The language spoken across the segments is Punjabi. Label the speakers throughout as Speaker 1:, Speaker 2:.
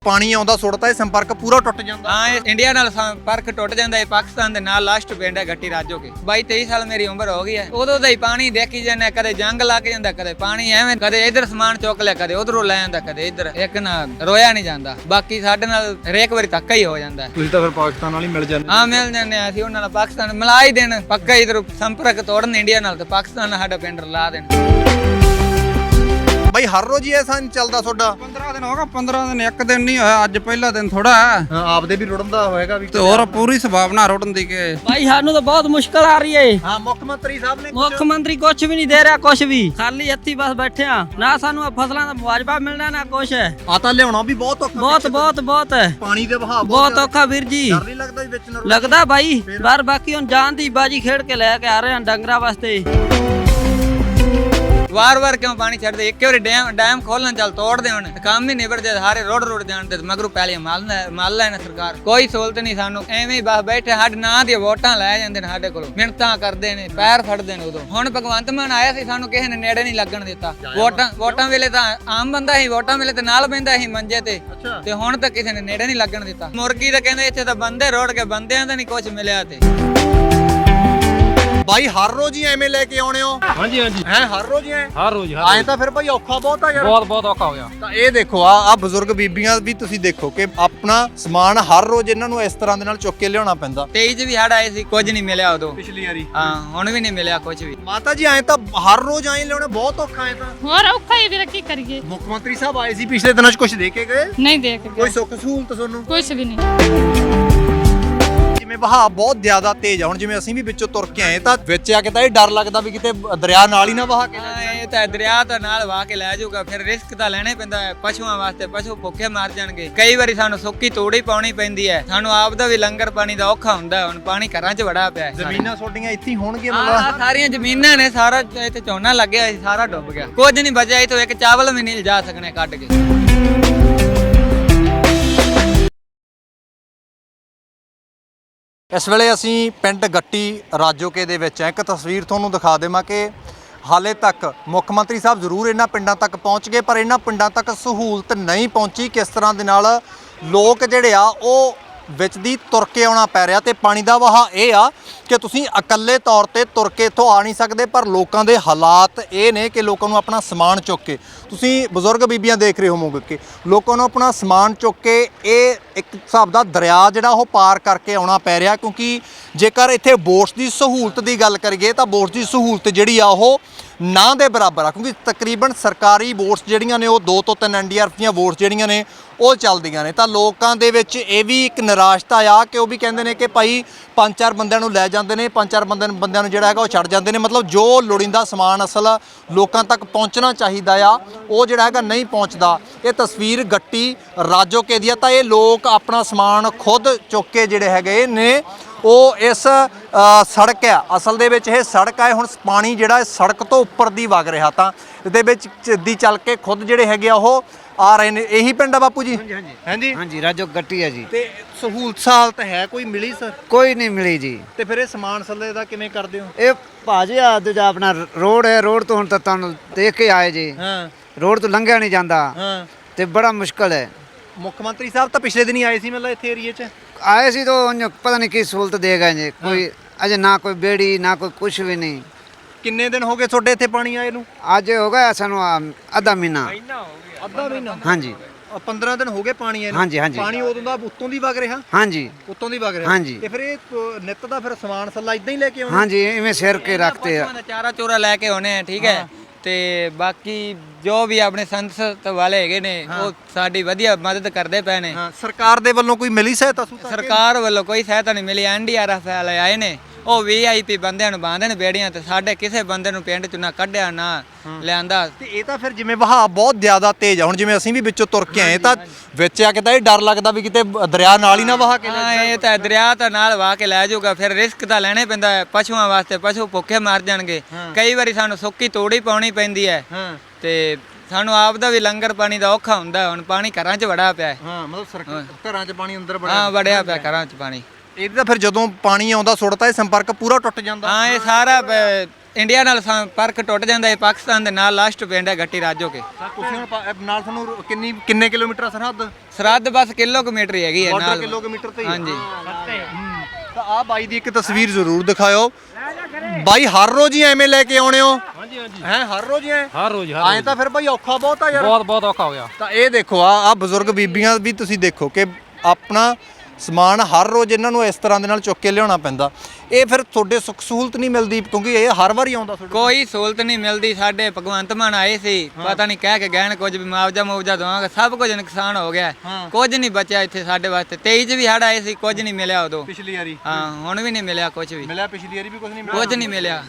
Speaker 1: ਪਾਣੀ ਆਉਂਦਾ ਸੁੱਟਦਾ ਇਹ ਸੰਪਰਕ ਪੂਰਾ ਟੁੱਟ ਜਾਂਦਾ।
Speaker 2: ਹਾਂ, ਇਹ ਇੰਡੀਆ ਨਾਲ ਸੰਪਰਕ ਟੁੱਟ ਜਾਂਦਾ ਹੈ। ਪਾਕਿਸਤਾਨ ਦੇ ਨਾਲ ਲਾਸਟ ਪਿੰਡ ਹੈ ਗੱਟੀ ਰਾਜੋ ਕੇ। 22-23 ਸਾਲ ਮੇਰੀ ਉਮਰ ਹੋ ਗਈ ਹੈ। ਉਦੋਂ ਦਾ ਹੀ ਪਾਣੀ ਦੇਖੀ ਜਾਂਦੇ, ਕਦੇ ਜੰਗ ਲੱਗ ਜਾਂਦਾ, ਕਦੇ ਪਾਣੀ ਐਵੇਂ, ਕਦੇ ਇਧਰ ਸਮਾਨ ਚੁੱਕ ਲਿਆ, ਕਦੇ ਉਧਰੋਂ ਲੈ ਜਾਂਦਾ, ਕਦੇ ਇੱਧਰ। ਇੱਕ ਨਾ ਰੋਇਆ ਨਹੀਂ ਜਾਂਦਾ। ਬਾਕੀ ਸਾਡੇ ਨਾਲ ਹਰੇਕ ਵਾਰੀ ਧੱਕਾ ਹੀ ਹੋ ਜਾਂਦਾ।
Speaker 1: ਤੁਸੀਂ ਤਾਂ ਫਿਰ ਪਾਕਿਸਤਾਨ ਨਾਲ ਹੀ ਮਿਲ ਜਾਂਦੇ।
Speaker 2: ਹਾਂ, ਮਿਲ ਜਾਂਦੇ ਆ ਅਸੀਂ ਉਹਨਾਂ ਨਾਲ। ਪਾਕਿਸਤਾਨ ਮਿਲਾ ਹੀ ਦੇਣ ਪੱਕਾ, ਇਧਰ ਸੰਪਰਕ ਤੋੜਨ ਇੰਡੀਆ ਨਾਲ ਤੇ ਪਾਕਿਸਤਾਨ ਨਾਲ ਸਾਡਾ ਪਿੰਡ ਲਾ ਦੇਣ।
Speaker 1: ਬਾਈ ਹਰ ਰੋਜ਼ ਹੀ ਐਸਾ ਨਹੀਂ ਚੱਲਦਾ ਤੁਹਾਡਾ?
Speaker 3: 15 ਦਿਨ ਹੋ ਗਏ। 15 ਦਿਨ ਇੱਕ ਦਿਨ ਨਹੀਂ ਹੋਇਆ, ਅੱਜ ਪਹਿਲਾ ਦਿਨ ਥੋੜਾ ਹੈ।
Speaker 1: ਹਾਂ, ਆਪਦੇ ਵੀ ਰੁੜਨ ਦਾ ਹੋਏਗਾ ਵੀ
Speaker 3: ਤੇ ਹੋਰ ਪੂਰੀ ਸੰਭਾਵਨਾ ਰੁੜਨ ਦੀ ਕਿ
Speaker 4: ਭਾਈ ਸਾਨੂੰ ਤਾਂ ਬਹੁਤ ਮੁਸ਼ਕਲ ਆ ਰਹੀ ਹੈ।
Speaker 1: ਹਾਂ, ਮੁੱਖ ਮੰਤਰੀ ਸਾਹਿਬ ਨੇ
Speaker 4: ਮੁੱਖ ਮੰਤਰੀ ਕੁਝ ਵੀ ਨਹੀਂ ਦੇ ਰਿਹਾ, ਕੁਝ ਵੀ ਖਾਲੀ ਹੱਥੀ ਬਸ ਬੈਠੇ ਆ। ਨਾ ਸਾਨੂੰ ਫਸਲਾਂ ਦਾ ਮੁਆਵਜ਼ਾ ਮਿਲਣਾ, ਨਾ ਕੁਛ ਹੈ।
Speaker 1: ਆਤਾ ਲਿਆਉਣਾ ਵੀ ਬਹੁਤ ਔਖਾ।
Speaker 4: ਬਹੁਤ ਹੈ।
Speaker 1: ਪਾਣੀ ਦੇ ਵਹਾਅ
Speaker 4: ਬਹੁਤ ਔਖਾ ਵੀਰ ਜੀ।
Speaker 1: ਡਰ ਨਹੀਂ ਲੱਗਦਾ ਵੀ ਵਿੱਚ ਨਾ
Speaker 4: ਲੱਗਦਾ ਭਾਈ, ਪਰ ਬਾਕੀ ਹੁਣ ਜਾਨ ਦੀ ਬਾਜੀ ਖੇਡ ਕੇ ਲੈ ਕੇ ਆ ਰਹੇ ਆ ਡੰਗਰਾਂ ਵਾਸਤੇ।
Speaker 2: ਵਾਰ-ਵਾਰ ਕਿਉਂ ਪਾਣੀ ਛੱਡਦੇ? ਇੱਕ ਵਾਰੀ ਡੈਮ ਖੋਲਣ ਚੱਲ ਤੋੜਦੇ ਹੁਣ, ਕੰਮ ਹੀ ਨਿਬੜ ਜਾਏ। ਸਾਰੇ ਰੋਡ ਜਾਣ ਤੇ ਮਗਰੋਂ ਪਹਿਲੇ ਮਾਲ ਲੈਣਾ ਸਰਕਾਰ। ਕੋਈ ਸਹੂਲਤ ਨਹੀਂ ਸਾਨੂੰ, ਐਵੇਂ ਹੀ ਬਸ ਬੈਠੇ। ਸਾਡੇ ਨਾਂ ਦੀਆਂ ਵੋਟਾਂ ਲੈ ਜਾਂਦੇ ਨੇ ਸਾਡੇ ਕੋਲੋਂ, ਮਿਹਨਤਾਂ ਕਰਦੇ ਨੇ, ਪੈਰ ਫੜਦੇ ਨੇ। ਉਦੋਂ ਹੁਣ ਭਗਵੰਤ ਮਾਨ ਆਇਆ ਸੀ, ਸਾਨੂੰ ਕਿਸੇ ਨੇ ਨੇੜੇ ਨਹੀਂ ਲੱਗਣ ਦਿੱਤਾ। ਵੋਟਾਂ ਵੇਲੇ ਤਾਂ ਆਮ ਬੰਦਾ ਸੀ, ਵੋਟਾਂ ਵੇਲੇ ਤੇ ਨਾਲ ਬਹਿੰਦਾ ਸੀ ਮੰਜੇ ਤੇ ਹੁਣ ਤਾਂ ਕਿਸੇ ਨੇ ਨੇੜੇ ਨਹੀਂ ਲੱਗਣ ਦਿੱਤਾ। ਮੁਰਗੀ ਤਾਂ ਕਹਿੰਦੇ ਇੱਥੇ ਤਾਂ ਬੰਦੇ ਰੋੜ ਕੇ, ਬੰਦਿਆਂ ਦਾ ਨਹੀਂ ਕੁਝ ਮਿਲਿਆ। ਤੇ
Speaker 1: ਬਾਈ ਹਰ ਰੋਜ਼ ਹੀ ਐਵੇਂ ਲੈ ਕੇ ਆਉਣੇ ਹੋ?
Speaker 5: ਹਾਂਜੀ
Speaker 1: ਹੈ ਹਰ ਰੋਜ਼ ਹੀ
Speaker 5: ਹਰ ਰੋਜ਼
Speaker 1: ਆਏ ਤਾਂ ਫਿਰ ਭਾਈ ਔਖਾ ਬਹੁਤ ਆ ਯਾਰ।
Speaker 5: ਬਹੁਤ ਔਖਾ ਹੋ ਗਿਆ।
Speaker 1: ਤਾਂ ਇਹ ਦੇਖੋ ਆ ਬਜ਼ੁਰਗ ਬੀਬੀਆਂ ਵੀ ਤੁਸੀਂ ਦੇਖੋ ਕਿ ਆਪਣਾ ਸਮਾਨ ਹਰ ਰੋਜ਼ ਇਹਨਾਂ ਨੂੰ ਇਸ ਤਰ੍ਹਾਂ ਦੇ ਨਾਲ ਚੁੱਕ ਕੇ ਲਿਆਉਣਾ ਪੈਂਦਾ।
Speaker 2: 23 ਚ ਵੀ ਹੜ ਆਏ ਸੀ, ਕੁਝ ਨਹੀਂ ਮਿਲਿਆ ਉਦੋਂ।
Speaker 1: ਪਿਛਲੀ ਵਾਰੀ
Speaker 2: ਹਾਂ, ਹੁਣ ਵੀ ਨਹੀਂ ਮਿਲਿਆ ਕੁਝ ਵੀ।
Speaker 1: ਮਾਤਾ ਜੀ ਆਏ ਤਾਂ ਹਰ ਰੋਜ਼ ਆਏ ਲਿਆਉਣਾ ਬਹੁਤ ਔਖਾ ਹੈ। ਤਾਂ
Speaker 6: ਹੋਰ ਔਖਾ ਹੀ ਵੀਰ, ਕੀ ਕਰੀਏ।
Speaker 1: ਮੁੱਖ ਮੰਤਰੀ ਸਾਹਿਬ ਆਏ ਸੀ ਪਿਛਲੇ ਦਿਨਾਂ 'ਚ, ਕੁਝ ਦੇ ਕੇ ਗਏ?
Speaker 6: ਨਹੀਂ ਦੇ ਕੇ
Speaker 1: ਕੋਈ ਸੁੱਖ ਸਹੂਲਤ ਤੁਹਾਨੂੰ?
Speaker 6: ਕੁਝ ਵੀ ਨਹੀਂ।
Speaker 1: ਜਿਵੇਂ ਵਹਾਅ ਬਹੁਤ ਜ਼ਿਆਦਾ ਤੇਜ਼ ਆ, ਹੁਣ ਜਿਵੇਂ ਅਸੀਂ ਵੀ ਵਿੱਚੋਂ ਤੁਰ ਕੇ ਆਏ ਤਾਂ ਵਿੱਚ ਆ ਕੇ ਤਾਂ ਇਹ ਡਰ ਲੱਗਦਾ ਵੀ ਕਿਤੇ ਦਰਿਆ ਨਾਲ ਹੀ ਨਾ ਵਹਾ ਕੇ ਲੈ
Speaker 2: ਹਾਂ, ਇਹ ਤਾਂ ਦਰਿਆ ਤਾਂ ਨਾਲ ਵਾਹ ਕੇ ਲੈ ਜਾਊਗਾ। ਫਿਰ ਰਿਸਕ ਤਾਂ ਲੈਣੇ ਪੈਂਦਾ ਹੈ ਪਸ਼ੂਆਂ ਵਾਸਤੇ। ਪਸ਼ੂ ਭੁੱਖੇ ਮਰ ਜਾਣਗੇ। ਕਈ ਵਾਰੀ ਸਾਨੂੰ ਸੁੱਕੀ ਤੋੜੀ ਪਾਉਣੀ ਪੈਂਦੀ ਹੈ। ਸਾਨੂੰ ਆਪ ਦਾ ਵੀ ਲੰਗਰ ਪਾਣੀ ਦਾ ਔਖਾ ਹੁੰਦਾ। ਹੁਣ ਪਾਣੀ ਘਰਾਂ 'ਚ ਵੜਾ ਪਿਆ ਹੈ।
Speaker 1: ਜ਼ਮੀਨਾਂ ਤੁਹਾਡੀਆਂ ਇੱਥੇ ਹੀ ਹੋਣਗੀਆਂ
Speaker 2: ਆਹ
Speaker 1: ਮਤਲਬ?
Speaker 2: ਸਾਰੀਆਂ ਜ਼ਮੀਨਾਂ ਨੇ, ਸਾਰਾ ਇੱਥੇ ਝੋਨਾ ਲੱਗਿਆ ਸੀ, ਸਾਰਾ ਡੁੱਬ ਗਿਆ। ਕੁਝ ਨਹੀਂ ਬਚਿਆ। ਇੱਥੋਂ ਇੱਕ ਚਾਵਲ ਵੀ ਨਹੀਂ ਲਿਜਾ ਸਕਣੇ ਕੱਢ ਕੇ।
Speaker 1: ਇਸ ਵੇਲੇ ਅਸੀਂ ਪਿੰਡ ਗੱਟੀ ਰਾਜੋਕੇ ਦੇ ਵਿੱਚ ਹੈ। ਇੱਕ ਤਸਵੀਰ ਤੁਹਾਨੂੰ ਦਿਖਾ ਦੇਵਾਂ ਕਿ ਹਾਲੇ ਤੱਕ ਮੁੱਖ ਮੰਤਰੀ ਸਾਹਿਬ ਜ਼ਰੂਰ ਇਹਨਾਂ ਪਿੰਡਾਂ ਤੱਕ ਪਹੁੰਚ ਗਏ, ਪਰ ਇਹਨਾਂ ਪਿੰਡਾਂ ਤੱਕ ਸਹੂਲਤ ਨਹੀਂ ਪਹੁੰਚੀ। ਕਿਸ ਤਰ੍ਹਾਂ ਦੇ ਨਾਲ ਲੋਕ ਜਿਹੜੇ ਆ ਉਹ ਵਿੱਚ ਦੀ ਤੁਰ ਕੇ ਆਉਣਾ ਪੈ ਰਿਹਾ। ਤੇ ਪਾਣੀ ਦਾ ਵਹਾਅ ਇਹ ਆ ਕਿ ਤੁਸੀਂ ਇਕੱਲੇ ਤੌਰ ਤੇ ਤੁਰ ਕੇ ਇੱਥੋਂ ਆ ਨਹੀਂ ਸਕਦੇ, ਪਰ ਲੋਕਾਂ ਦੇ ਹਾਲਾਤ ਇਹ ਨੇ ਕਿ ਲੋਕਾਂ ਨੂੰ ਆਪਣਾ ਸਮਾਨ ਚੁੱਕ ਕੇ, ਤੁਸੀਂ ਬਜ਼ੁਰਗ ਬੀਬੀਆਂ ਦੇਖ ਰਹੇ ਹੋਵੋਗੇ ਕਿ ਲੋਕਾਂ ਨੂੰ ਆਪਣਾ ਸਮਾਨ ਚੁੱਕ ਕੇ ਇਹ ਇੱਕ ਹਿਸਾਬ ਦਾ ਦਰਿਆ ਜਿਹੜਾ ਉਹ ਪਾਰ ਕਰਕੇ ਆਉਣਾ ਪੈ ਰਿਹਾ। ਕਿਉਂਕਿ ਜੇਕਰ ਇੱਥੇ ਬੋਟਸ ਦੀ ਸਹੂਲਤ ਦੀ ਗੱਲ ਕਰੀਏ ਤਾਂ ਬੋਟਸ ਦੀ ਸਹੂਲਤ ਜਿਹੜੀ ਆ ਉਹ ਨਾ ਦੇ ਬਰਾਬਰ ਆ। ਕਿਉਂਕਿ ਤਕਰੀਬਨ ਸਰਕਾਰੀ ਬੋਟਸ ਜਿਹੜੀਆਂ ਨੇ ਉਹ 2 ਤੋਂ 3 NDRF ਦੀਆਂ ਬੋਟਸ ਜਿਹੜੀਆਂ ਨੇ ਉਹ ਚੱਲਦੀਆਂ ਨੇ। ਤਾਂ ਲੋਕਾਂ ਦੇ ਵਿੱਚ ਇਹ ਵੀ ਇੱਕ ਨਿਰਾਸ਼ਤਾ ਆ ਕਿ ਉਹ ਵੀ ਕਹਿੰਦੇ ਨੇ ਕਿ ਭਾਈ 5-4 ਬੰਦਿਆਂ ਨੂੰ ਲੈ ਜਾਂਦੇ ਨੇ, 5-4 ਬੰਦਿਆਂ ਨੂੰ ਜਿਹੜਾ ਹੈਗਾ ਉਹ ਛੱਡ ਜਾਂਦੇ ਨੇ। ਮਤਲਬ ਜੋ ਲੋੜੀਂਦਾ ਸਮਾਨ ਅਸਲ ਲੋਕਾਂ ਤੱਕ ਪਹੁੰਚਣਾ ਚਾਹੀਦਾ ਆ ਉਹ ਜਿਹੜਾ ਹੈਗਾ ਨਹੀਂ ਪਹੁੰਚਦਾ। ਇਹ ਤਸਵੀਰ ਗੱਟੀ ਰਾਜੋਕੇ ਦੀ ਆ। ਤਾਂ ਇਹ ਲੋਕ ਆਪਣਾ ਸਮਾਨ ਖੁਦ ਚੁੱਕ ਕੇ ਜਿਹੜੇ ਹੈਗੇ ਨੇ ਉਹ ਇਸ ਸੜਕ ਆ, ਅਸਲ ਦੇ ਵਿੱਚ ਇਹ ਸੜਕ ਆ। ਹੁਣ ਪਾਣੀ ਜਿਹੜਾ ਸੜਕ ਤੋਂ ਉੱਪਰ ਦੀ ਵਗ ਰਿਹਾ, ਤਾਂ ਇਹਦੇ ਵਿੱਚ ਦੀ ਚੱਲ ਕੇ ਖੁਦ ਜਿਹੜੇ ਹੈਗੇ ਆ ਉਹ ਆ ਰਹੇ ਨੇ। ਇਹੀ ਪਿੰਡ ਆ ਬਾਪੂ ਜੀ? ਹਾਂਜੀ
Speaker 7: ਹਾਂਜੀ ਰਾਜੋ ਗੱਟੀ ਹੈ ਜੀ।
Speaker 1: ਤੇ ਸਹੂਲਤ ਸਾਲਤ ਹੈ ਕੋਈ ਮਿਲੀ ਸਰ?
Speaker 7: ਕੋਈ ਨਹੀਂ ਮਿਲੀ ਜੀ।
Speaker 1: ਤੇ ਫਿਰ ਇਹ ਸਮਾਨ ਸੱਲੇ ਦਾ ਕਿਵੇਂ ਕਰਦੇ ਹੋ?
Speaker 7: ਇਹ ਭਾਜੀ ਆ ਦੂਜਾ ਆਪਣਾ ਰੋਡ ਹੈ, ਰੋਡ ਤੋਂ ਹੁਣ ਤਾਂ ਤੁਹਾਨੂੰ ਦੇਖ ਕੇ ਆਏ ਜੀ।
Speaker 1: ਹਾਂ
Speaker 7: ਰੋਡ ਤੋਂ ਲੰਘਿਆ ਨਹੀਂ ਜਾਂਦਾ
Speaker 1: ਹਾਂ।
Speaker 7: ਤੇ ਬੜਾ ਮੁਸ਼ਕਲ ਹੈ।
Speaker 1: ਮੁੱਖ ਮੰਤਰੀ ਸਾਹਿਬ ਤਾਂ ਪਿਛਲੇ ਦਿਨ ਹੀ ਆਏ ਸੀ ਮਤਲਬ ਇੱਥੇ ਏਰੀਏ 'ਚ?
Speaker 7: ਆਏ ਸੀ ਤਾਂ ਉਹਨੂੰ ਪਤਾ ਨਹੀਂ ਕੀ ਸਹੂਲਤ ਦੇ ਗਏ ਜੀ। ਕੋਈ ਅਜੇ ਨਾ ਕੋਈ ਬੇੜੀ ਨਾ ਕੋਈ ਕੁਛ ਵੀ ਨਹੀਂ।
Speaker 1: ਕਿੰਨੇ ਦਿਨ ਹੋ ਗਏ ਤੁਹਾਡੇ ਇੱਥੇ ਪਾਣੀ ਆਏ ਨੂੰ?
Speaker 7: ਅੱਜ ਹੋ ਗਿਆ ਸਾਨੂੰ ਅੱਧਾ ਮਹੀਨਾ।
Speaker 1: ਅੱਧਾ ਮਹੀਨਾ?
Speaker 7: ਹਾਂਜੀ
Speaker 1: 15 ਦਿਨ ਹੋ ਗਏ ਪਾਣੀ ਆਏ ਨੂੰ?
Speaker 7: ਹਾਂਜੀ, ਹਾਂਜੀ।
Speaker 1: ਪਾਣੀ ਉਦੋਂ ਦਾ ਉੱਤੋਂ ਦੀ ਵਗ ਰਿਹਾ?
Speaker 7: ਹਾਂਜੀ
Speaker 1: ਉੱਤੋਂ ਦੀ ਵਗ ਰਿਹਾ?
Speaker 7: ਹਾਂਜੀ।
Speaker 1: ਤੇ ਫਿਰ ਇਹ ਨਿੱਤ ਦਾ ਫਿਰ ਸਮਾਨ ਸੱਲਾ ਇਦਾਂ ਹੀ ਲੈ ਕੇ ਆਉਣਾ?
Speaker 7: ਹਾਂਜੀ ਇਵੇਂ ਸਿਰ ਕੇ ਰੱਖਤੇ ਆ।
Speaker 2: ਚਾਰਾ ਚੋਰਾ ਲੈ ਕੇ ਆਉਣੇ ਆ, ਠੀਕ ਹੈ। ਤੇ ਬਾਕੀ ਜੋ ਵੀ ਆਪਣੇ ਸੰਸਦ ਵਾਲੇ ਹੈਗੇ ਨੇ ਉਹ ਸਾਡੀ ਵਧੀਆ ਮਦਦ ਕਰਦੇ ਪਏ ਨੇ।
Speaker 1: ਹਾਂ, ਸਰਕਾਰ ਦੇ ਵੱਲੋਂ ਕੋਈ ਮਿਲੀ ਸਹਾਇਤਾ?
Speaker 2: ਸਰਕਾਰ ਵੱਲੋਂ ਕੋਈ ਸਹਾਇਤਾ ਨਹੀਂ ਮਿਲੀ। NDRF ਵਾਲੇ ਆਏ ਨੇ, ਉਹ VIP ਬੰਦਿਆਂ ਨੂੰ ਬਾਂਦੇ ਨੇ ਬੇੜੀਆਂ ਤੇ। ਸਾਡੇ ਕਿਸੇ ਬੰਦੇ ਨੂੰ ਪਿੰਡ 'ਚ ਨਾ ਕੱਢਿਆ ਨਾ ਲਿਆਂਦਾ।
Speaker 1: ਤੇ ਇਹ ਤਾਂ ਫਿਰ ਜਿਵੇਂ ਵਹਾਅ ਬਹੁਤ ਜ਼ਿਆਦਾ ਤੇਜ਼ ਆ, ਹੁਣ ਜਿਵੇਂ ਅਸੀਂ ਵੀ ਵਿੱਚੋਂ ਤੁਰ ਕੇ ਆਏ ਤਾਂ ਵਿੱਚ ਆ ਕੇ ਤਾਂ ਇਹ ਡਰ ਲੱਗਦਾ ਵੀ ਕਿਤੇ ਦਰਿਆ ਨਾਲ ਹੀ ਨਾ ਵਹਾ ਕੇ ਲੈ
Speaker 2: ਹਾਂ, ਇਹ ਤਾਂ ਦਰਿਆ ਤਾਂ ਨਾਲ ਵਾਹ ਕੇ ਲੈ ਜਾਊਗਾ। ਫਿਰ ਰਿਸਕ ਤਾਂ ਲੈਣੇ ਪੈਂਦਾ ਹੈ ਪਸ਼ੂਆਂ ਵਾਸਤੇ। ਪਸ਼ੂ ਭੁੱਖੇ ਮਰ ਜਾਣਗੇ। ਕਈ ਵਾਰੀ ਸਾਨੂੰ ਸੁੱਕੀ ਤੋੜੀ ਪਾਉਣੀ ਪੈਂਦੀ ਹੈ। ਤੇ ਸਾਨੂੰ ਆਪ ਦਾ ਵੀ ਲੰਗਰ ਪਾਣੀ ਦਾ ਔਖਾ ਹੁੰਦਾ। ਹੁਣ ਪਾਣੀ ਘਰਾਂ 'ਚ ਵੜਾ ਪਿਆ।
Speaker 1: ਹਾਂ, ਮਤਲਬ ਘਰਾਂ 'ਚ ਪਾਣੀ ਅੰਦਰ
Speaker 2: ਵੜਿਆ ਪਿਆ ਘਰਾਂ 'ਚ ਪਾਣੀ।
Speaker 1: ਇਹਦਾ ਫਿਰ ਜਦੋਂ ਪਾਣੀ ਆਉਂਦਾ ਸੁੱਟਦਾ ਇਹ ਸੰਪਰਕ ਪੂਰਾ ਟੁੱਟ ਜਾਂਦਾ।
Speaker 2: ਹਾਂ, ਇਹ ਸਾਰਾ ਇੰਡੀਆ ਨਾਲ ਸੰਪਰਕ ਟੁੱਟ ਜਾਂਦਾ ਹੈ। ਪਾਕਿਸਤਾਨ ਦੇ ਨਾਲ ਲਾਸਟ ਪਿੰਡ ਹੈ ਗੱਟੀ ਰਾਜੋ ਕੇ।
Speaker 1: ਤੁਸੀਂ ਹੁਣ ਨਾਲ ਤੁਹਾਨੂੰ ਕਿੰਨੇ ਕਿਲੋਮੀਟਰ ਆ ਸਰਹੱਦ?
Speaker 2: ਸਰਹੱਦ ਬਸ ਕਿਲੋਮੀਟਰ ਹੀ ਹੈਗੀ ਹੈ
Speaker 1: ਬਾਰਡਰ
Speaker 2: ਨਾਲ।
Speaker 1: ਕਿਲੋਮੀਟਰ ਤੇ ਹੀ ਆ।
Speaker 2: ਹਾਂਜੀ।
Speaker 1: ਤਾਂ ਆ ਬਾਈ ਦੀ ਇੱਕ ਤਸਵੀਰ ਜ਼ਰੂਰ ਦਿਖਾਇਓ। ਬਾਈ ਹਰ ਰੋਜ਼ ਹੀ ਐਵੇਂ ਲੈ ਕੇ ਆਉਣੇ ਹੋ? ਹਾਂਜੀ ਹਾਂਜੀ। ਹੈ ਹਰ ਰੋਜ਼ ਹੀ ਐ?
Speaker 5: ਹਰ ਰੋਜ਼
Speaker 1: ਐਂ ਤਾਂ ਫਿਰ ਬਾਈ ਔਖਾ ਬਹੁਤ ਆ ਯਾਰ।
Speaker 5: ਬਹੁਤ ਔਖਾ ਹੋ ਗਿਆ।
Speaker 1: ਤਾਂ ਇਹ ਦੇਖੋ ਆ ਬਜ਼ੁਰਗ ਬੀਬੀਆਂ ਵੀ ਤੁਸੀਂ ਦੇਖੋ ਕਿ ਆਪਣਾ ਸਮਾਨ ਹਰ ਰੋਜ਼ ਇਹਨਾਂ ਨੂੰ ਇਸ ਤਰ੍ਹਾਂ ਦੇ ਨਾਲ ਚੁੱਕ ਕੇ ਲਿਆਉਣਾ ਪੈਂਦਾ। ਇਹ ਫਿਰ ਤੁਹਾਡੇ ਸੁੱਖ ਸਹੂਲਤ ਨਹੀਂ ਮਿਲਦੀ ਕਿਉਂਕਿ ਇਹ ਹਰ ਵਾਰੀ ਆਉਂਦਾ ਤੁਹਾਡੇ
Speaker 2: ਕੋਈ ਸਹੂਲਤ ਨਹੀਂ ਮਿਲਦੀ। ਸਾਡੇ ਭਗਵੰਤ ਮਾਨ ਆਏ ਸੀ, ਪਤਾ ਨਹੀਂ ਕਹਿ ਕੇ ਗਏ ਨੇ ਕੁਝ ਵੀ ਮੁਆਵਜ਼ਾ ਦਵਾਂਗੇ, ਸਭ ਕੁਝ ਨੁਕਸਾਨ ਹੋ ਗਿਆ, ਕੁਝ ਨਹੀਂ ਬਚਿਆ ਇੱਥੇ ਸਾਡੇ ਵਾਸਤੇ। 23 ਚ ਵੀ ਹੜ ਆਏ ਸੀ, ਕੁਝ ਨਹੀਂ ਮਿਲਿਆ ਉਦੋਂ।
Speaker 1: ਪਿਛਲੀ ਵਾਰੀ
Speaker 2: ਹਾਂ ਹੁਣ ਵੀ ਨਹੀਂ ਮਿਲਿਆ ਕੁਝ ਵੀ।
Speaker 1: ਮਿਲਿਆ? ਪਿਛਲੀ ਵਾਰੀ ਵੀ ਕੁਝ ਨਹੀਂ ਮਿਲਿਆ?
Speaker 2: ਕੁਝ ਨਹੀਂ ਮਿਲਿਆ।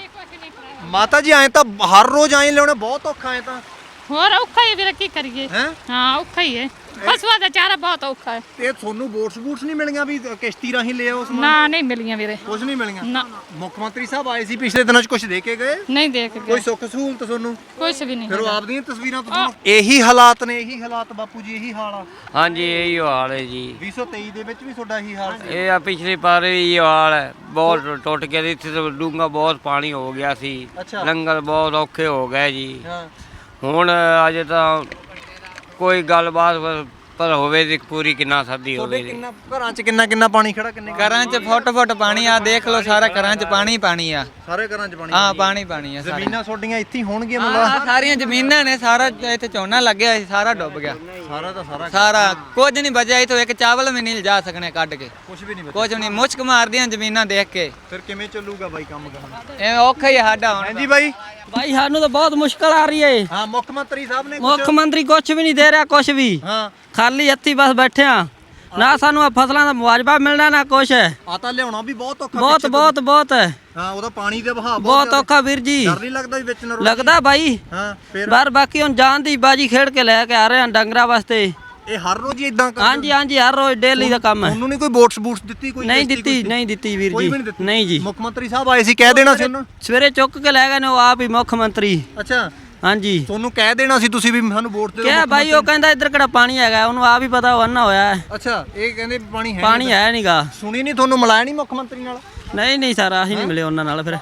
Speaker 1: ਮਾਤਾ ਜੀ ਐਂ ਤਾਂ ਹਰ ਰੋਜ਼ ਐਂ ਲਿਆਉਣਾ ਬਹੁਤ ਔਖਾ ਐ ਤਾਂ।
Speaker 6: ਹੋਰ ਔਖਾ ਹੀ ਵੀਰੇ, ਕੀ ਕਰੀਏ?
Speaker 1: ਹੈ
Speaker 6: ਹਾਂ ਔਖਾ ਹੀ ਹੈ, ਪਸ਼ੂਆਂ ਦਾ ਚਾਰਾ ਬਹੁਤ ਔਖਾ ਹੈ।
Speaker 1: ਤੇ ਤੁਹਾਨੂੰ ਬੂਟਸ ਨਹੀਂ ਮਿਲੀਆਂ ਵੀ ਕਿਸ਼ਤੀ ਰਾਹੀਂ ਲੈ ਆਓ ਸਮਾਨ?
Speaker 6: ਨਾ ਨਹੀਂ ਮਿਲੀਆਂ ਵੀਰੇ,
Speaker 1: ਕੁਝ ਨਹੀਂ ਮਿਲੀਆਂ?
Speaker 6: ਨਾ
Speaker 1: ਮੁੱਖ ਮੰਤਰੀ ਸਾਹਿਬ ਆਏ ਸੀ ਪਿਛਲੇ ਦਿਨਾਂ 'ਚ, ਕੁਝ ਦੇ ਕੇ ਗਏ?
Speaker 6: ਨਹੀਂ ਦੇਖ
Speaker 1: ਕੋਈ
Speaker 6: ਗਏ,
Speaker 1: ਸੁੱਖ ਸਹੂਲਤ ਤੁਹਾਨੂੰ?
Speaker 6: ਕੁਛ ਵੀ ਨਹੀਂ
Speaker 1: ਫਿਰ ਉਹ
Speaker 6: ਹੈਗਾ।
Speaker 1: ਆਪਦੀਆਂ ਤਸਵੀਰਾਂ ਤੋਂ ਇਹੀ ਹਾਲਾਤ ਨੇ? ਇਹੀ ਹਾਲਾਤ ਬਾਪੂ ਜੀ, ਇਹੀ ਹਾਲ ਆ?
Speaker 8: ਹਾਂਜੀ ਇਹੀ ਹਾਲ ਹੈ ਜੀ।
Speaker 1: 2023 ਦੇ ਵਿੱਚ ਵੀ ਤੁਹਾਡਾ ਇਹੀ ਹਾਲ ਸੀ?
Speaker 8: ਇਹ ਆ ਪਿਛਲੇ ਪਾਰੇ ਵੀ ਇਹ ਹਾਲ ਹੈ, ਬਹੁਤ ਟੁੱਟ ਗਿਆ ਸੀ ਇੱਥੇ ਤਾਂ, ਡੂੰਘਾ ਬਹੁਤ ਪਾਣੀ ਹੋ ਗਿਆ ਸੀ,
Speaker 1: ਅੱਛਾ।
Speaker 8: ਲੰਗਰ ਬਹੁਤ ਔਖੇ ਹੋ ਗਏ ਜੀ।
Speaker 1: ਹਾਂ।
Speaker 8: ਹੁਣ ਅਜੇ ਤਾਂ ਕੋਈ ਗੱਲਬਾਤ ਪਰ ਹੋਵੇ ਤੇ ਪੂਰੀ ਕਿੰਨਾ ਸਰਦੀ
Speaker 1: ਤੁਹਾਡੇ
Speaker 8: ਹੋਵੇ।
Speaker 1: ਕਿੰਨਾ ਘਰਾਂ 'ਚ ਕਿੰਨਾ ਪਾਣੀ ਖੜਾ? ਕਿੰਨੇ
Speaker 2: ਘਰਾਂ 'ਚ ਫੁੱਟ ਪਾਣੀ ਆ, ਦੇਖ ਲਓ ਸਾਰਾ ਘਰਾਂ 'ਚ ਪਾਣੀ ਆ।
Speaker 1: ਸਾਰੇ ਘਰਾਂ 'ਚ ਪਾਣੀ?
Speaker 2: ਹਾਂ ਪਾਣੀ ਆ ਸਾਰੇ।
Speaker 1: ਜ਼ਮੀਨਾਂ ਤੁਹਾਡੀਆਂ ਇੱਥੇ ਹੀ ਹੋਣਗੀਆਂ
Speaker 2: ਹਾਂ
Speaker 1: ਮਤਲਬ?
Speaker 2: ਸਾਰੀਆਂ ਜ਼ਮੀਨਾਂ ਨੇ, ਸਾਰਾ ਇੱਥੇ ਝੋਨਾ ਲੱਗਿਆ ਸੀ, ਸਾਰਾ ਡੁੱਬ ਗਿਆ।
Speaker 1: ਸਾਰਾ ਦਾ ਸਾਰਾ
Speaker 2: ਸਾਰਾ ਕੁਝ ਨਹੀਂ ਬਚਿਆ ਇੱਥੋਂ, ਇੱਕ ਚਾਵਲ ਵੀ ਨਹੀਂ ਲਿਜਾ ਸਕਣੇ ਕੱਢ ਕੇ,
Speaker 1: ਕੁਝ ਵੀ ਨਹੀਂ ਬਚਿਆ?
Speaker 2: ਕੁਝ ਨਹੀਂ। ਮੁਸ਼ਕ ਮਾਰਦੀਆਂ ਜ਼ਮੀਨਾਂ ਦੇਖ ਕੇ।
Speaker 1: ਫਿਰ ਕਿਵੇਂ ਚੱਲੂਗਾ ਬਾਈ ਕੰਮ ਕਰਨਾ?
Speaker 2: ਐਵੇਂ ਔਖਾ ਹੀ ਆ ਸਾਡਾ ਹੁਣ।
Speaker 1: ਹਾਂਜੀ ਬਾਈ।
Speaker 4: ਭਾਈ ਸਾਨੂੰ ਤਾਂ ਬਹੁਤ ਮੁਸ਼ਕਲ ਆ ਰਹੀ ਏ।
Speaker 1: ਹਾਂ ਮੁੱਖ ਮੰਤਰੀ ਸਾਹਿਬ ਨੇ
Speaker 4: ਮੁੱਖ ਮੰਤਰੀ ਕੁਛ ਵੀ ਨਹੀਂ ਦੇ ਰਿਹਾ, ਕੁਛ ਵੀ।
Speaker 1: ਹਾਂ
Speaker 4: ਖਾਲੀ ਹੱਥੀਂ ਬਸ ਬੈਠੇ ਆ। ਨਾ ਸਾਨੂੰ ਆਹ ਫਸਲਾਂ ਦਾ ਮੁਆਵਜ਼ਾ ਮਿਲਣਾ, ਨਾ ਕੁਛ ਹੈ।
Speaker 1: ਆ ਤਾਂ ਲਿਆਉਣਾ ਵੀ ਬਹੁਤ ਔਖਾ
Speaker 4: ਬਹੁਤ
Speaker 1: ਪਿੱਛੇ ਤੋਂ।
Speaker 4: ਬਹੁਤ ਬਹੁਤ ਹੈ,
Speaker 1: ਹਾਂ ਉਹਦਾ ਪਾਣੀ ਦੇ ਵਹਾਅ
Speaker 4: ਬਹੁਤ
Speaker 1: ਜ਼ਿਆਦਾ।
Speaker 4: ਔਖਾ ਵੀਰ ਜੀ।
Speaker 1: ਡਰ ਨਹੀਂ ਲੱਗਦਾ ਵੀ ਵਿੱਚ ਨਾ ਰੁੜ
Speaker 4: ਲੱਗਦਾ ਬਾਈ।
Speaker 1: ਹਾਂ ਫਿਰ
Speaker 4: ਬਾਕੀ ਹੁਣ ਜਾਨ ਦੀ ਬਾਜੀ ਖੇਡ ਕੇ ਲੈ ਕੇ ਆ ਰਹੇ ਆ ਡੰਗਰਾਂ ਵਾਸਤੇ।
Speaker 1: ਇਹ ਹਰ ਰੋਜ਼ ਹੀ ਇਦਾਂ ਕਰਦੇ?
Speaker 4: ਹਾਂਜੀ ਹਾਂਜੀ, ਹਰ ਰੋਜ਼ ਡੇਲੀ ਦਾ ਕੰਮ ਹੈ।
Speaker 1: ਉਹਨੂੰ ਨਹੀਂ ਕੋਈ ਬੂਟਸ ਦਿੱਤੀ? ਕੋਈ
Speaker 4: ਨਹੀਂ
Speaker 1: ਕਿਸ਼ਤੀ,
Speaker 4: ਦਿੱਤੀ,
Speaker 1: ਕੋਈ
Speaker 4: ਨਹੀਂ ਦਿੱਤੀ ਵੀਰ
Speaker 1: ਕੋਈ
Speaker 4: ਜੀ,
Speaker 1: ਵੀ ਨਹੀਂ ਦਿੱਤੀ?
Speaker 4: ਨਹੀਂ ਜੀ।
Speaker 1: ਮੁੱਖ ਮੰਤਰੀ ਸਾਹਿਬ ਆਏ ਸੀ, ਕਹਿ ਦੇਣਾ ਸੀ ਉਹਨੂੰ?
Speaker 4: ਸਵੇਰੇ ਚੁੱਕ ਕੇ ਲੈ ਗਏ ਨੇ ਉਹ ਆਪ ਹੀ ਮੁੱਖ ਮੰਤਰੀ।
Speaker 1: ਅੱਛਾ
Speaker 4: ਹਾਂਜੀ
Speaker 1: ਤੁਹਾਨੂੰ ਕਹਿ ਦੇਣਾ ਸੀ ਤੁਸੀਂ ਵੀ ਸਾਨੂੰ ਵੋਟ ਦੇ ਦਿਓ?
Speaker 4: ਕਿਹਾ
Speaker 1: ਮੁੱਖ
Speaker 4: ਬਾਈ, ਉਹ ਕਹਿੰਦਾ ਇੱਧਰ ਕਿਹੜਾ ਪਾਣੀ ਹੈਗਾ, ਉਹਨੂੰ ਆਪ ਹੀ ਪਤਾ ਉਹ ਅੰਨਾ ਹੋਇਆ ਹੈ।
Speaker 1: ਅੱਛਾ ਇਹ ਕਹਿੰਦੇ ਵੀ ਪਾਣੀ ਹੈ
Speaker 4: ਪਾਣੀ ਹੈ ਨਹੀਂਗਾ।
Speaker 1: ਸੁਣੀ ਨਹੀਂ ਤੁਹਾਨੂੰ? ਮਿਲਾਇਆ ਨਹੀਂ ਮੁੱਖ ਮੰਤਰੀ ਨਾਲ?
Speaker 4: ਨਹੀਂ ਸਰ, ਅਸੀਂ ਨਹੀਂ ਮਿਲੇ ਉਹਨਾਂ ਨਾਲ ਫਿਰ।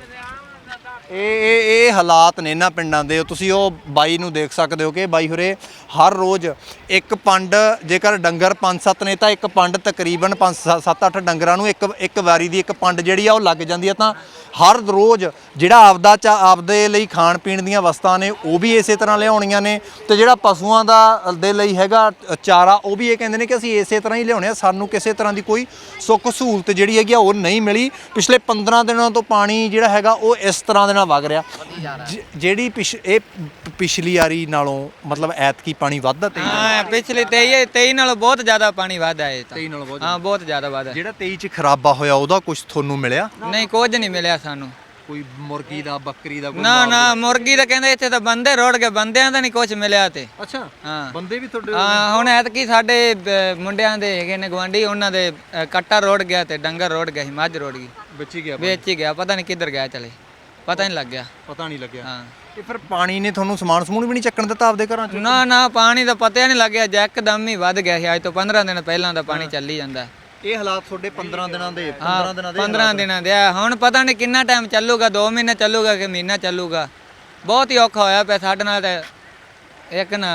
Speaker 1: ਇਹ ਹਾਲਾਤ ਨੇ ਇਹਨਾਂ ਪਿੰਡਾਂ ਦੇ। ਤੁਸੀਂ ਉਹ ਬਾਈ ਨੂੰ ਦੇਖ ਸਕਦੇ ਹੋ ਕਿ ਬਾਈ ਹੋਰੇ ਹਰ ਰੋਜ਼ ਇੱਕ ਪੰਡ, ਜੇਕਰ ਡੰਗਰ 5-7 ਨੇ ਤਾਂ ਇੱਕ ਪੰਡ ਤਕਰੀਬਨ 5-7-8 ਡੰਗਰਾਂ ਨੂੰ ਇੱਕ ਵਾਰੀ ਦੀ ਇੱਕ ਪੰਡ ਜਿਹੜੀ ਆ ਉਹ ਲੱਗ ਜਾਂਦੀ ਆ। ਤਾਂ ਹਰ ਰੋਜ਼ ਜਿਹੜਾ ਆਪਦੇ ਲਈ ਖਾਣ ਪੀਣ ਦੀਆਂ ਵਸਤਾਂ ਨੇ ਉਹ ਵੀ ਇਸੇ ਤਰ੍ਹਾਂ ਲਿਆਉਣੀਆਂ ਨੇ, ਤੇ ਜਿਹੜਾ ਪਸ਼ੂਆਂ ਦੇ ਲਈ ਹੈਗਾ ਚਾਰਾ ਉਹ ਵੀ ਇਹ ਕਹਿੰਦੇ ਨੇ ਕਿ ਅਸੀਂ ਇਸੇ ਤਰ੍ਹਾਂ ਹੀ ਲਿਆਉਣੇ ਆ। ਸਾਨੂੰ ਕਿਸੇ ਤਰ੍ਹਾਂ ਦੀ ਕੋਈ ਸੁੱਖ ਸਹੂਲਤ ਜਿਹੜੀ ਹੈਗੀ ਆ ਉਹ ਨਹੀਂ ਮਿਲੀ। ਪਿਛਲੇ 15 ਦਿਨਾਂ ਤੋਂ ਪਾਣੀ ਜਿਹੜਾ ਹੈਗਾ ਉਹ ਇਸ ਤਰ੍ਹਾਂ ਦੇ ਨਾਲ ਵਗ ਰਿਹਾ। ਜਿਹੜੀ ਪਿਛਲੀ ਵਾਰੀ ਨਾਲੋਂ ਮਤਲਬ ਐਤਕੀ ਪਾਣੀ ਵੱਧਦਾ?
Speaker 2: ਹਾਂ ਪਿਛਲੇ 23 ਨਾਲੋਂ ਬਹੁਤ ਜ਼ਿਆਦਾ ਪਾਣੀ ਵੱਧਦਾ ਹੈ।
Speaker 1: 23 ਨਾਲੋਂ ਬਹੁਤ?
Speaker 2: ਹਾਂ ਬਹੁਤ ਜ਼ਿਆਦਾ ਵੱਧਦਾ।
Speaker 1: ਜਿਹੜਾ 23 ਚ ਖਰਾਬਾ ਹੋਇਆ ਉਹਦਾ ਕੁਝ ਤੁਹਾਨੂੰ ਮਿਲਿਆ?
Speaker 2: ਨਹੀਂ ਕੁਝ ਨਹੀਂ ਮਿਲਿਆ ਸਾਨੂੰ।
Speaker 1: ਕੋਈ ਮੁਰਗੀ ਦਾ, ਬੱਕਰੀ ਦਾ?
Speaker 2: ਨਾ ਮੁਰਗੀ ਤਾਂ ਕਹਿੰਦੇ ਇੱਥੇ ਤਾਂ ਬੰਦੇ ਰੋੜ ਗਏ, ਬੰਦਿਆਂ ਦਾ ਨਹੀਂ ਕੁਝ ਮਿਲਿਆ ਤੇ।
Speaker 1: ਅੱਛਾ
Speaker 2: ਹਾਂ
Speaker 1: ਬੰਦੇ ਵੀ ਤੁਹਾਡੇ?
Speaker 2: ਹਾਂ ਹੁਣ ਐਤਕੀ ਸਾਡੇ ਮੁੰਡਿਆਂ ਦੇ ਹੈਗੇ ਨੇ ਗਵਾਂਢੀ, ਉਹਨਾਂ ਦੇ ਕੱਟਾ ਰੋੜ ਗਿਆ ਤੇ ਡੰਗਰ ਰੋੜ ਗਿਆ ਸੀ, ਮੱਝ ਰੋੜ ਗਈ, ਵੇਚ ਹੀ ਗਿਆ, ਪਤਾ ਨਹੀਂ ਕਿੱਧਰ ਗਿਆ ਚਲੇ, ਪਤਾ ਨਹੀਂ ਲੱਗਿਆ।
Speaker 1: ਪਤਾ ਨਹੀਂ ਲੱਗਿਆ?
Speaker 2: ਹਾਂ
Speaker 1: ਇਹ ਫਿਰ ਪਾਣੀ ਨੇ ਤੁਹਾਨੂੰ ਸਮਾਨ ਸਮੂਨ ਵੀ ਨਹੀਂ ਚੱਕਣ ਦਿੱਤਾ ਆਪਦੇ ਘਰਾਂ ਚ?
Speaker 2: ਨਾ ਪਾਣੀ ਦਾ ਪਤਾ ਨਹੀਂ ਲੱਗਿਆ, ਇੱਕਦਮ ਹੀ ਵੱਧ ਗਿਆ ਸੀ। ਅੱਜ ਤੋਂ 15 ਦਿਨ ਪਹਿਲਾਂ ਦਾ ਪਾਣੀ ਚੱਲੀ ਜਾਂਦਾ।
Speaker 1: ਇਹ ਹਾਲਾਤ ਤੁਹਾਡੇ 15 ਦਿਨਾਂ ਦੇ?
Speaker 2: 15 ਦਿਨਾਂ ਦੇ ਆ। ਹੁਣ ਪਤਾ ਨਹੀਂ ਕਿੰਨਾ ਟਾਈਮ ਚੱਲੂਗਾ, 2 ਮਹੀਨੇ ਚੱਲੂਗਾ ਕਿ ਮਹੀਨਾ ਚੱਲੂਗਾ। ਬਹੁਤ ਹੀ ਔਖਾ ਹੋਇਆ ਪਿਆ ਸਾਡੇ ਨਾਲ। ਤਾਂ ਇੱਕ ਨਾ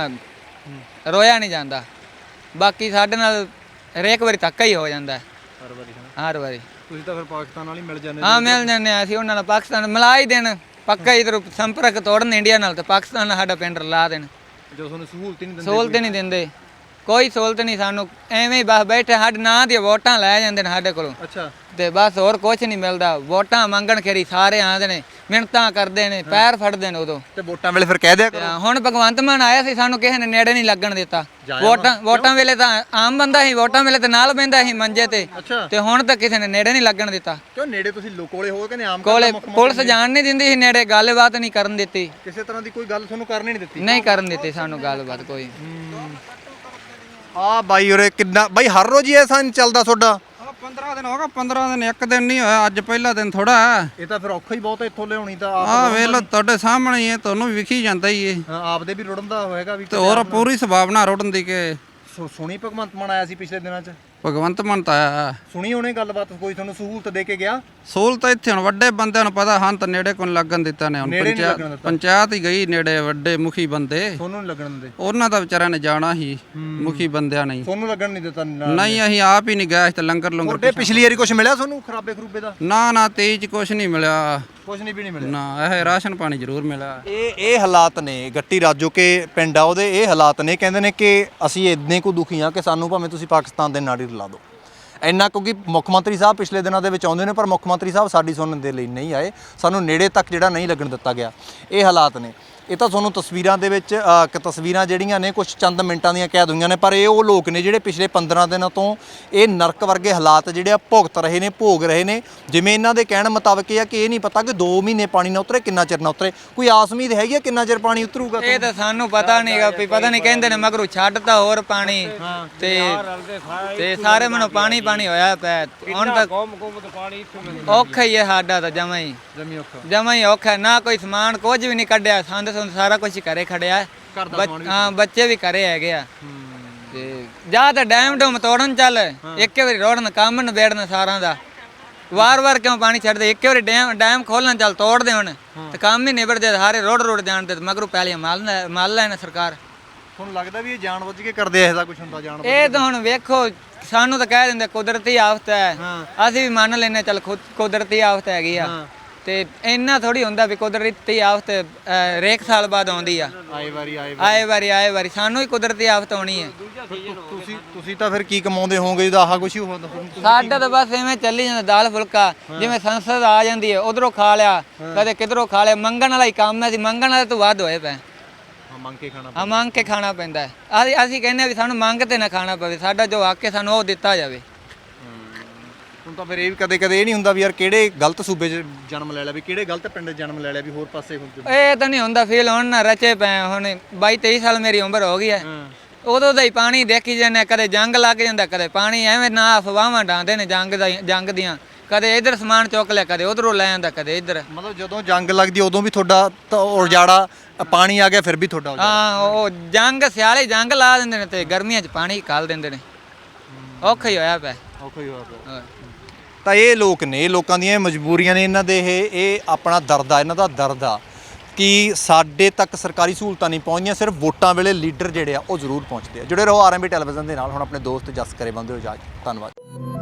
Speaker 2: ਰੋਇਆ ਨਹੀਂ ਜਾਂਦਾ, ਬਾਕੀ ਸਾਡੇ ਨਾਲ ਹਰੇਕ ਵਾਰੀ ਧੱਕਾ ਹੀ ਹੋ ਜਾਂਦਾ ਹਰ ਵਾਰੀ।
Speaker 1: ਤੁਸੀਂ ਤਾਂ ਫਿਰ ਪਾਕਿਸਤਾਨ ਨਾਲ ਹੀ ਮਿਲ ਜਾਂਦੇ?
Speaker 2: ਹਾਂ ਮਿਲ ਜਾਂਦੇ ਆ ਅਸੀਂ ਉਹਨਾਂ ਨਾਲ। ਪਾਕਿਸਤਾਨ ਮਿਲਾ ਹੀ ਦੇਣ ਪੱਕਾ, ਇਧਰ ਸੰਪਰਕ ਤੋੜਨ ਇੰਡੀਆ ਨਾਲ, ਤੇ ਪਾਕਿਸਤਾਨ ਨਾਲ ਸਾਡਾ ਪਿੰਡ ਰਲਾ ਦੇਣ।
Speaker 1: ਜੋ ਤੁਹਾਨੂੰ ਸਹੂਲਤ ਹੀ ਨਹੀਂ ਦਿੰਦੇ?
Speaker 2: ਸਹੂਲਤ ਨਹੀਂ ਦਿੰਦੇ, ਕੋਈ ਸਹੂਲਤ ਨਹੀਂ ਸਾਨੂੰ। ਐਵੇਂ ਹੀ ਬਸ ਬੈਠੇ ਸਾਡੇ ਨਾਂ ਦੀਆਂ ਵੋਟਾਂ ਲੈ ਜਾਂਦੇ ਨੇ ਸਾਡੇ ਕੋਲੋਂ।
Speaker 1: ਅੱਛਾ
Speaker 2: ਤੇ ਬਸ ਹੋਰ ਕੁਝ ਨਹੀਂ ਮਿਲਦਾ। ਵੋਟਾਂ ਮੰਗਣ ਖੇਰੀ ਸਾਰੇ ਆਉਂਦੇ ਨੇ, ਮਿਹਨਤਾਂ ਕਰਦੇ ਨੇ, ਪੈਰ ਫੜਦੇ ਨੇ ਉਦੋਂ।
Speaker 1: ਤੇ ਵੋਟਾਂ ਵੇਲੇ ਫਿਰ ਕਹਿ ਦਿਆ
Speaker 2: ਤੇ
Speaker 1: ਕਰੋ।
Speaker 2: ਹੁਣ ਭਗਵੰਤ ਮਾਨ ਆਇਆ ਸੀ, ਸਾਨੂੰ ਕਿਸੇ ਨੇ ਨੇੜੇ ਨਹੀਂ ਲੱਗਣ ਦਿੱਤਾ। ਵੋਟਾਂ ਵੇਲੇ ਤਾਂ ਆਮ ਬੰਦਾ ਸੀ, ਵੋਟਾਂ ਵੇਲੇ ਤਾਂ ਨਾਲ ਬਹਿੰਦਾ ਸੀ ਮੰਜੇ ਤੇ, ਤੇ ਹੁਣ ਤਾਂ ਕਿਸੇ ਨੇ ਨੇੜੇ ਨਹੀਂ ਲੱਗਣ ਦਿੱਤਾ।
Speaker 1: ਕਿਉਂ ਨੇੜੇ ਤੁਸੀਂ ਕੋਲੇ ਹੋ ਕੇ ਆਮ
Speaker 2: ਕੋਲੇ ਪੁਲਿਸ ਜਾਣ ਨਹੀਂ ਦਿੰਦੀ ਸੀ ਨੇੜੇ, ਗੱਲਬਾਤ ਨਹੀਂ ਕਰਨ ਦਿੱਤੀ,
Speaker 1: ਕਿਸੇ ਤਰ੍ਹਾਂ ਦੀ ਕੋਈ ਗੱਲ ਤੁਹਾਨੂੰ ਕਰਨੀ ਨਹੀਂ ਦਿੱਤੀ?
Speaker 2: ਨਹੀਂ ਕਰਨ ਦਿੱਤੀ ਸਾਨੂੰ ਗੱਲਬਾਤ ਕੋਈ।
Speaker 1: ਆ ਬਾਈ ਉਰੇ ਕਿੰਨਾ ਬਾਈ ਹਰ ਰੋਜ਼ ਹੀ ਐਸਾ ਨਹੀਂ ਚੱਲਦਾ ਤੁਹਾਡਾ?
Speaker 3: 15 ਦਿਨ ਹੋ ਗਏ, 15 ਦਿਨ ਇੱਕ ਦਿਨ ਨਹੀਂ ਹੋਇਆ, ਅੱਜ ਪਹਿਲਾ ਦਿਨ ਥੋੜਾ ਹੈ।
Speaker 1: ਇਹ ਤਾਂ ਫਿਰ ਔਖਾ ਹੀ ਬਹੁਤ ਇੱਥੋਂ ਲਿਆਉਣੀ ਤਾਂ
Speaker 3: ਆਹ ਵੇਖ ਲਓ ਤੁਹਾਡੇ ਸਾਹਮਣੇ ਹੀ ਹੈ, ਤੁਹਾਨੂੰ ਵੀ ਵਿਖੀ ਜਾਂਦਾ ਹੀ ਇਹ।
Speaker 1: ਆਪਦੇ ਵੀ ਰੁੜਨ ਦਾ ਹੋਏਗਾ ਵੀ।
Speaker 3: ਤੇ ਹੋਰ ਪੂਰੀ ਸੰਭਾਵਨਾ ਰੁੜਨ ਦੀ ਕਿ
Speaker 1: ਸੋਹਣੀ ਭਗਵੰਤ ਮਾਨ ਆਇਆ ਸੀ ਪਿਛਲੇ ਦਿਨਾਂ 'ਚ?
Speaker 3: ਭਗਵੰਤ ਮਾਨ ਤਾਂ ਆਇਆ।
Speaker 1: ਸੁਣੀ ਉਹਨੇ ਗੱਲਬਾਤ, ਕੋਈ ਤੁਹਾਨੂੰ ਸਹੂਲਤ ਦੇ ਕੇ ਗਿਆ?
Speaker 3: ਸਹੂਲਤ ਇੱਥੇ ਹੁਣ ਵੱਡੇ ਬੰਦਿਆਂ ਨੂੰ ਪਤਾ, ਹਨ ਤਾਂ ਨੇੜੇ ਕੋਲ ਲੱਗਣ ਦਿੱਤਾ ਨੇ। ਹੁਣ
Speaker 1: ਨੇੜੇ ਨਹੀਂ ਲੱਗਣ ਦਿੱਤਾ।
Speaker 3: ਪੰਚਾਇਤ ਹੀ ਗਈ ਨੇੜੇ, ਵੱਡੇ ਮੁਖੀ ਬੰਦੇ
Speaker 1: ਤੁਹਾਨੂੰ ਨਹੀਂ ਲੱਗਣ ਦਿੰਦੇ?
Speaker 3: ਉਹਨਾਂ ਦਾ ਵਿਚਾਰਿਆਂ ਨੇ ਜਾਣਾ ਹੀ, ਮੁਖੀ ਬੰਦਿਆਂ ਨੇ।
Speaker 1: ਤੁਹਾਨੂੰ ਲੱਗਣ ਨਹੀਂ ਦਿੱਤਾ?
Speaker 3: ਨਹੀਂ ਅਸੀਂ ਆਪ ਹੀ ਨਹੀਂ ਗਏ, ਤੇ ਲੰਗਰ
Speaker 1: ਤੁਹਾਡੇ ਪਿਛਲੀ ਵਾਰੀ ਕੁਝ ਮਿਲਿਆ ਤੁਹਾਨੂੰ ਖਰਾਬੇ ਖਰੂਬੇ ਦਾ?
Speaker 3: ਨਾ 23 ਚ ਕੁਛ ਨਹੀਂ ਮਿਲਿਆ,
Speaker 1: ਕੁਝ ਨਹੀਂ ਵੀ ਨਹੀਂ ਮਿਲਿਆ।
Speaker 3: ਨਾ ਇਹ ਰਾਸ਼ਨ ਪਾਣੀ ਜ਼ਰੂਰ ਮਿਲਿਆ।
Speaker 1: ਇਹ ਹਾਲਾਤ ਨੇ ਗੱਟੀ ਰਾਜੋ ਕੇ ਪਿੰਡ ਆ ਉਹਦੇ, ਇਹ ਹਾਲਾਤ ਨੇ। ਕਹਿੰਦੇ ਨੇ ਕਿ ਅਸੀਂ ਇੰਨੇ ਕੁ ਦੁਖੀ ਆ ਕਿ ਸਾਨੂੰ ਭਾਵੇਂ ਤੁਸੀਂ ਪਾਕਿਸਤਾਨ ਦੇ ਨਾੜੀ ਰਲਾ ਦਿਓ ਇੰਨਾ, ਕਿਉਂਕਿ ਮੁੱਖ ਮੰਤਰੀ ਸਾਹਿਬ ਪਿਛਲੇ ਦਿਨਾਂ ਦੇ ਵਿੱਚ ਆਉਂਦੇ ਨੇ ਪਰ ਮੁੱਖ ਮੰਤਰੀ ਸਾਹਿਬ ਸਾਡੀ ਸੁਣਨ ਦੇ ਲਈ ਨਹੀਂ ਆਏ, ਸਾਨੂੰ ਨੇੜੇ ਤੱਕ ਜਿਹੜਾ ਨਹੀਂ ਲੱਗਣ ਦਿੱਤਾ ਗਿਆ। ਇਹ ਹਾਲਾਤ ਨੇ। ਇਹ ਤਾਂ ਤੁਹਾਨੂੰ ਤਸਵੀਰਾਂ ਦੇ ਵਿੱਚ ਤਸਵੀਰਾਂ ਜਿਹੜੀਆਂ ਨੇ ਕੁਝ ਚੰਦ ਮਿੰਟਾਂ ਦੀਆਂ ਕੈਦ ਹੋਈਆਂ ਨੇ, ਪਰ ਇਹ ਉਹ ਲੋਕ ਨੇ ਜਿਹੜੇ ਪਿਛਲੇ 15 ਦਿਨਾਂ ਤੋਂ ਇਹ ਨਰਕ ਵਰਗੇ ਹਾਲਾਤ ਜਿਹੜੇ ਆ ਭੁਗਤ ਰਹੇ ਨੇ, ਭੋਗ ਰਹੇ ਨੇ। ਜਿਵੇਂ ਇਹਨਾਂ ਦੇ ਕਹਿਣ ਮੁਤਾਬਕ ਇਹ ਆ ਕਿ ਇਹ ਨਹੀਂ ਪਤਾ ਕਿ 2 ਮਹੀਨੇ ਪਾਣੀ ਨਾ ਉਤਰੇ, ਕਿੰਨਾ ਚਿਰ ਨਾ ਉਤਰੇ। ਕੋਈ ਆਸ ਉਮੀਦ ਹੈਗੀ ਆ ਕਿੰਨਾ ਚਿਰ ਪਾਣੀ ਉਤਰੂਗਾ?
Speaker 2: ਇਹ ਤਾਂ ਸਾਨੂੰ ਪਤਾ ਨਹੀਂਗਾ, ਵੀ ਪਤਾ ਨਹੀਂ ਕਹਿੰਦੇ ਨੇ ਮਗਰੋਂ ਛੱਡਤਾ ਹੋਰ ਪਾਣੀ ਤੇ ਸਾਰੇ ਮੈਨੂੰ ਪਾਣੀ ਹੋਇਆ ਪਿਆ। ਹੁਣ ਤਾਂ ਔਖਾ ਹੀ ਹੈ ਸਾਡਾ ਤਾਂ ਜਮਾ ਹੀ ਔਖਾ। ਨਾ ਕੋਈ ਸਮਾਨ ਕੁਝ ਵੀ ਨਹੀਂ ਕੱਢਿਆ, ਸੰਦ ਸਾਰਾ ਕੁਝ ਘਰੇ ਖੜਿਆ। ਹਾਂ ਬੱਚੇ ਵੀ ਘਰੇ ਹੈਗੇ ਆ। ਤੇ ਜਾਂ ਤਾਂ ਡੈਮ ਤੋੜਨ ਚੱਲ, ਇੱਕ ਵਾਰੀ ਰੋੜਨ ਕੰਮ ਨਿਬੇੜਨ ਸਾਰਿਆਂ ਦਾ। ਵਾਰ ਕਿਉਂ ਪਾਣੀ ਛੱਡਦੇ? ਇੱਕ ਵਾਰੀ ਡੈਮ ਖੋਲਣ ਚੱਲ ਤੋੜ ਦੇ ਹੁਣ, ਤੇ ਕੰਮ ਹੀ ਨਿਬੜ ਜੇ। ਸਾਰੇ ਰੋਡ ਜਾਣ ਦੇ ਮਗਰੋਂ ਪਹਿਲੀਆਂ ਮਾਲ ਲੈਣ ਸਰਕਾਰ।
Speaker 1: ਤੁਹਾਨੂੰ ਲੱਗਦਾ ਵੀ ਇਹ ਜਾਣਬੁੱਝ ਕੇ ਕਰਦੇ ਐ? ਇਹਦਾ ਕੁਝ ਹੁੰਦਾ ਜਾਣ?
Speaker 2: ਇਹ ਤਾਂ ਹੁਣ ਵੇਖੋ, ਸਾਨੂੰ ਤਾਂ ਕਹਿ ਦਿੰਦੇ ਕੁਦਰਤੀ ਆਫਤ ਹੈ, ਅਸੀਂ ਵੀ ਮੰਨ ਲੈਨੇ ਚੱਲ ਕੁਦਰਤੀ ਆਫਤ ਹੈਗੀ ਆ। ਤੇ ਇੰਨਾ ਥੋੜੀ ਹੁੰਦਾ ਵੀ ਕੁਦਰਤੀ ਆਫਤ ਰੇਕ ਸਾਲ ਬਾਅਦ ਆਉਂਦੀ ਆ। ਆਏ ਵਾਰੀ ਸਾਨੂੰ ਹੀ ਕੁਦਰਤੀ ਆਫਤ ਆਉਣੀ ਹੈ।
Speaker 1: ਤੁਸੀਂ ਤਾਂ ਫਿਰ ਕੀ ਕਮਾਉਂਦੇ ਹੋਵੋਗੇ ਜਦੋਂ ਆਹ ਕੁਛ ਹੀ ਹੁੰਦਾ?
Speaker 2: ਸਾਡਾ ਤਾਂ ਬਸ ਐਵੇਂ ਚੱਲੀ ਜਾਂਦਾ, ਦਾਲ ਫੁਲਕਾ। ਜਿਵੇਂ ਸੰਸਦ ਆ ਜਾਂਦੀ ਹੈ ਉਧਰੋਂ ਖਾ ਲਿਆ, ਕਦੇ ਕਿਧਰੋਂ ਖਾ ਲਿਆ। ਮੰਗਣ ਵਾਲਾ ਹੀ ਕੰਮ ਹੈ, ਅਸੀਂ ਮੰਗਣ ਵਾਲੇ ਤੋਂ ਵੱਧ ਹੋਏ ਪਏ। ਮੰਗ ਕੇ ਖਾਣਾ ਪੈਂਦਾ ਹੈ। ਅਸੀਂ ਕਹਿੰਦੇ ਵੀ ਸਾਨੂੰ ਮੰਗ ਤੇ ਨਾ ਖਾਣਾ ਪਵੇ, ਸਾਡਾ ਜੋ ਹੱਕ ਹੈ ਸਾਨੂੰ ਉਹ ਦਿੱਤਾ ਜਾਵੇ।
Speaker 1: ਹੁਣ ਤਾਂ ਫਿਰ ਇਹ ਵੀ ਕਦੇ ਇਹ ਨਹੀਂ ਹੁੰਦਾ ਵੀ ਯਾਰ ਕਿਹੜੇ ਗਲਤ ਸੂਬੇ 'ਚ ਜਨਮ ਲੈ ਲਿਆ, ਵੀ ਕਿਹੜੇ ਗਲਤ ਪਿੰਡ 'ਚ ਜਨਮ ਲੈ ਲਿਆ, ਵੀ ਹੋਰ ਪਾਸੇ ਹੁਣ
Speaker 2: ਇਹ ਤਾਂ ਨਹੀਂ ਹੁੰਦਾ ਫੀਲ। ਹੁਣ ਨਾ ਰਚੇ ਪਏ, ਹੁਣ 22-23 ਸਾਲ ਮੇਰੀ ਉਮਰ ਹੋ ਗਈ ਹੈ। ਉਦੋਂ ਦਾ ਹੀ ਪਾਣੀ ਦੇਖੀ ਜਾਂਦੇ, ਕਦੇ ਜੰਗ ਲੱਗ ਜਾਂਦਾ, ਕਦੇ ਪਾਣੀ ਐਵੇਂ ਨਾ ਅਫਵਾਹਾਂ ਡਾਂਦੇ ਨੇ ਜੰਗ ਦੀਆਂ। ਕਦੇ ਇੱਧਰ ਸਮਾਨ ਚੁੱਕ ਲਿਆ, ਕਦੇ ਉਧਰੋਂ ਲੈ ਆਂਦਾ, ਕਦੇ ਇੱਧਰ।
Speaker 1: ਮਤਲਬ ਜਦੋਂ ਜੰਗ ਲੱਗਦੀ ਉਦੋਂ ਵੀ ਤੁਹਾਡਾ ਉਜਾੜਾ, ਪਾਣੀ ਆ ਗਿਆ ਫਿਰ ਵੀ ਤੁਹਾਡਾ ਉਜਾੜਾ?
Speaker 2: ਹਾਂ, ਉਹ ਜੰਗ ਸਿਆਲੇ ਜੰਗ ਲਾ ਦਿੰਦੇ ਨੇ ਤੇ ਗਰਮੀਆਂ 'ਚ ਪਾਣੀ ਘਾਲ ਦਿੰਦੇ ਨੇ। ਔਖਾ ਹੀ ਹੋਇਆ ਪਿਆ।
Speaker 1: ਤਾਂ ਇਹ ਲੋਕ ਨੇ, ਇਹ ਲੋਕਾਂ ਦੀਆਂ ਮਜਬੂਰੀਆਂ ਨੇ, ਇਹਨਾਂ ਦੇ ਇਹ ਆਪਣਾ ਦਰਦ ਆ, ਇਹਨਾਂ ਦਾ ਦਰਦ ਆ ਕਿ ਸਾਡੇ ਤੱਕ ਸਰਕਾਰੀ ਸਹੂਲਤਾਂ ਨਹੀਂ ਪਹੁੰਚਦੀਆਂ। ਸਿਰਫ ਵੋਟਾਂ ਵੇਲੇ ਲੀਡਰ ਜਿਹੜੇ ਆ ਉਹ ਜ਼ਰੂਰ ਪਹੁੰਚਦੇ ਆ। ਜੁੜੇ ਰਹੋ ਆਰਐਮਬੀ ਟੈਲੀਵਿਜ਼ਨ ਦੇ ਨਾਲ। ਹੁਣ ਆਪਣੇ ਦੋਸਤ ਜਸ ਕਰੇ ਬੰਦੇ ਹੋ ਇਜਾਜ਼ਤ। ਧੰਨਵਾਦ।